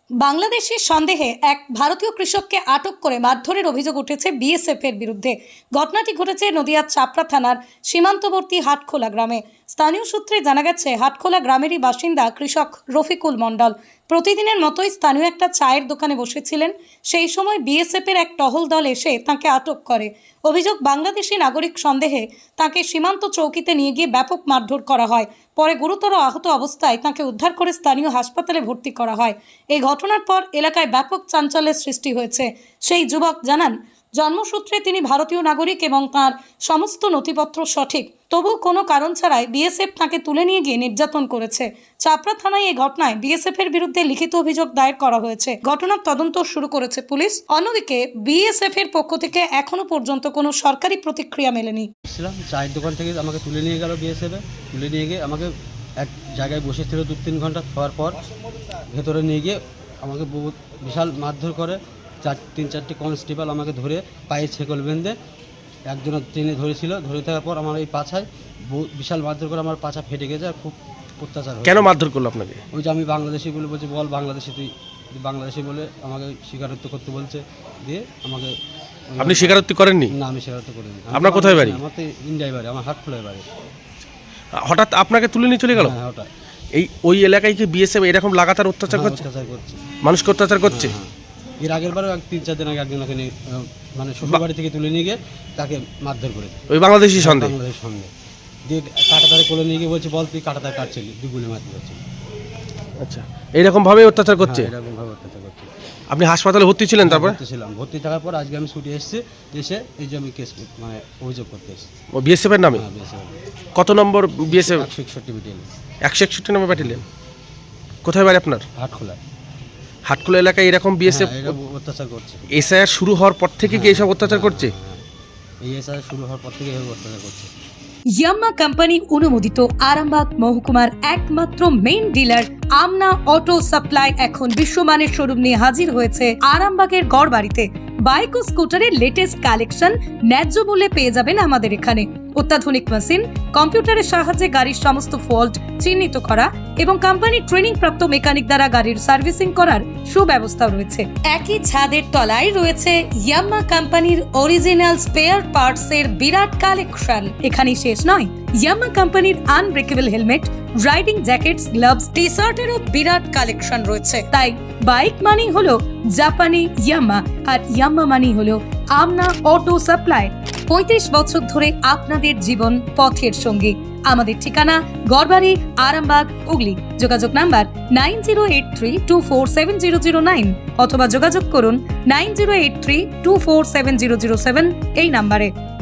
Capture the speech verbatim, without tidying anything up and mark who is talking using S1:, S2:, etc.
S1: বাংলাদেশের সন্দেহে এক ভারতীয় কৃষককে আটক করে মারধরের অভিযোগ উঠেছে বিএসএফ এর বিরুদ্ধে। ঘটনাটি ঘটেছে নদিয়ার চাপড়া থানার সীমান্তবর্তী হাটখোলা গ্রামে। স্থানীয় সূত্রে জানা গেছে, হাটখোলা গ্রামেরই বাসিন্দা কৃষক রফিকুল মণ্ডল প্রতিদিনের মতোই স্থানীয় একটা চায়ের দোকানে বসেছিলেন। সেই সময় বিএসএফ এর এক টহল দল এসে তাকে আটক করে। অভিযোগ, বাংলাদেশি নাগরিক সন্দেহে তাকে সীমান্ত চৌকিতে নিয়ে গিয়ে ব্যাপক মারধর করা হয়। পরে গুরুতর আহত অবস্থায় তাকে উদ্ধার করে স্থানীয় হাসপাতালে ভর্তি করা হয়। এই ঘটনার পর এলাকায় ব্যাপক চাঞ্চল্যের সৃষ্টি হয়েছে। সেই যুবক জানান, জন্মসূত্রে তিনি ভারতীয় নাগরিক এবং তার সমস্ত নথিপত্র সঠিক, তবু কোনো কারণ ছাড়াই বিএসএফ তাকে তুলে নিয়ে গিয়ে নির্যাতন করেছে। চাপড়া থানায় এই ঘটনায় বিএসএফ এর বিরুদ্ধে লিখিত অভিযোগ দায়ের করা হয়েছে। ঘটনার তদন্ত শুরু করেছে পুলিশ। অন্যদিকে বিএসএফ এর পক্ষ থেকে এখনো পর্যন্ত কোনো সরকারি প্রতিক্রিয়া মেলেনি।
S2: চায়ের দোকান থেকে আমাকে তুলে নিয়ে গেল বিএসএফ, তুলে নিয়ে গিয়ে আমাকে এক জায়গায় বসেছিল দু তিন ঘন্টা খাওয়ার পর ভেতরে নিয়ে গিয়ে আমাকে বহুত বিশাল মারধর করে। চার তিন চারটি কনস্টেবল আমাকে ধরে পায়ে ছেকল বেঁধে একজনের টেনে ধরেছিল। ধরে থাকার পর আমার এই পাছায় বিশাল মারধর করে আমার পাছা ফেটে গেছে। আর খুব অত্যাচার।
S3: কেন মারধর করলো আপনাকে?
S2: ওই যে আমি বাংলাদেশি বলে বলছি, বল বাংলাদেশি তুই, বাংলাদেশি বলে আমাকে স্বীকারোক্তি করতে বলছে। দিয়ে আমাকে
S3: আপনি স্বীকারোক্তি করেননি?
S2: না, আমি স্বীকারোক্তি করিনি।
S3: আপনার কোথায় বাড়ি?
S2: আমার তো ইন্ডিয়ায় বাড়ি, আমার হাটখোলায় বাড়ি।
S3: হঠাৎ আপনাকে তুলে নিয়ে চলে গেল?
S2: হ্যাঁ, হঠাৎ।
S3: এই ওই এলাকায় কি বিএসএফ এরকম লাগাতার অত্যাচার করছে?
S2: অত্যাচার করছে,
S3: মানুষকে অত্যাচার করছে।
S2: এর আগের বারও এক তিন চার দিন আগে একজনকে নিয়ে মানে শ্বশুর বাড়ি থেকে তুলে নিয়ে গিয়ে তাকে মারধর করেছে
S3: ওই বাংলাদেশি সন্দেহ।
S2: বাংলাদেশের সঙ্গে দিয়ে কাটাতারে কোলে নিয়ে গিয়ে বলছে, বল তুই কাটাতার কাটছিলি, দুগুলে মারতে পারছি।
S3: আচ্ছা, এইরকম ভাবে অত্যাচার করছে?
S2: এরকম ভাবে অত্যাচার করছে।
S3: আপনি হাসপাতালে ভর্তি ছিলেন? তারপর
S2: ভর্তি ছিলাম। ভর্তি থাকার পর আজকে আমি ছুটি এসেছি, এসে এই যে আমি কেস মানে অভিযোগ করতে এসেছি।
S3: ও বিএসএফ এর নামে?
S2: হ্যাঁ, বিএসএফ।
S3: কত নম্বর বিএসএফ?
S2: একশো একষট্টি ব্যাটালিয়ন।
S3: একশো একষট্টি নম্বর ব্যাটালিয়ন। কোথায় বাড়ি আপনার?
S2: হাটখোলায়।
S3: হাটখোলা এলাকায় এরকম বিএসএফ
S2: অত্যাচার করছে।
S3: এসআইআর শুরু হওয়ার পর থেকে কি এইসব অত্যাচার করছে?
S2: এই এসআইআর শুরু হওয়ার পর থেকে এইভাবে অত্যাচার করছে।
S1: ইয়াম্মা কোম্পানি অনুমোদিত আরামবাগ মহকুমার একমাত্র main dealer Amna auto supply এখন বিশ্বমানের শোরুম নিয়ে হাজির হয়েছে আরামবাগের গড়বাড়িতে। বাইক ও স্কুটারের লেটেস্ট কালেকশন ন্যায্য মূল্যে পেয়ে যাবেন আমাদের এখানে। অত্যাধুনিক মেশিন, কম্পিউটারের সাহায্যে গাড়ির সমস্ত ফল্ট চিহ্নিত করা এবং কোম্পানি ট্রেনিং প্রাপ্ত মেকানিক দ্বারা গাড়ির সার্ভিসিং করার সুব্যবস্থাও রয়েছে। একই ছাদের তলায় রয়েছে ইয়াম্মা কোম্পানির অরিজিনাল স্পেয়ার পার্টস এর বিরাট কালেকশন। এখানেই শেষ নয়, ইয়াম্মা কোম্পানির unbreakable helmet, riding jackets, gloves, T শার্টেরও বিরাট কালেকশন রয়েছে। তাই বাইক মানি হলো জাপানি ইয়াম্মা, আর ইয়াম্মা মানি হলো আমনা অটো সাপ্লাই। পঁয়ত্রিশ বছর ধরে আপনাদের জীবন পথের সঙ্গী। আমাদের ঠিকানা গড়বাড়ি, আরামবাগ, হুগলি। যোগাযোগ number nine zero eight three two four seven zero zero nine অথবা যোগাযোগ করুন nine zero eight three two four seven zero zero seven এই নাম্বারে।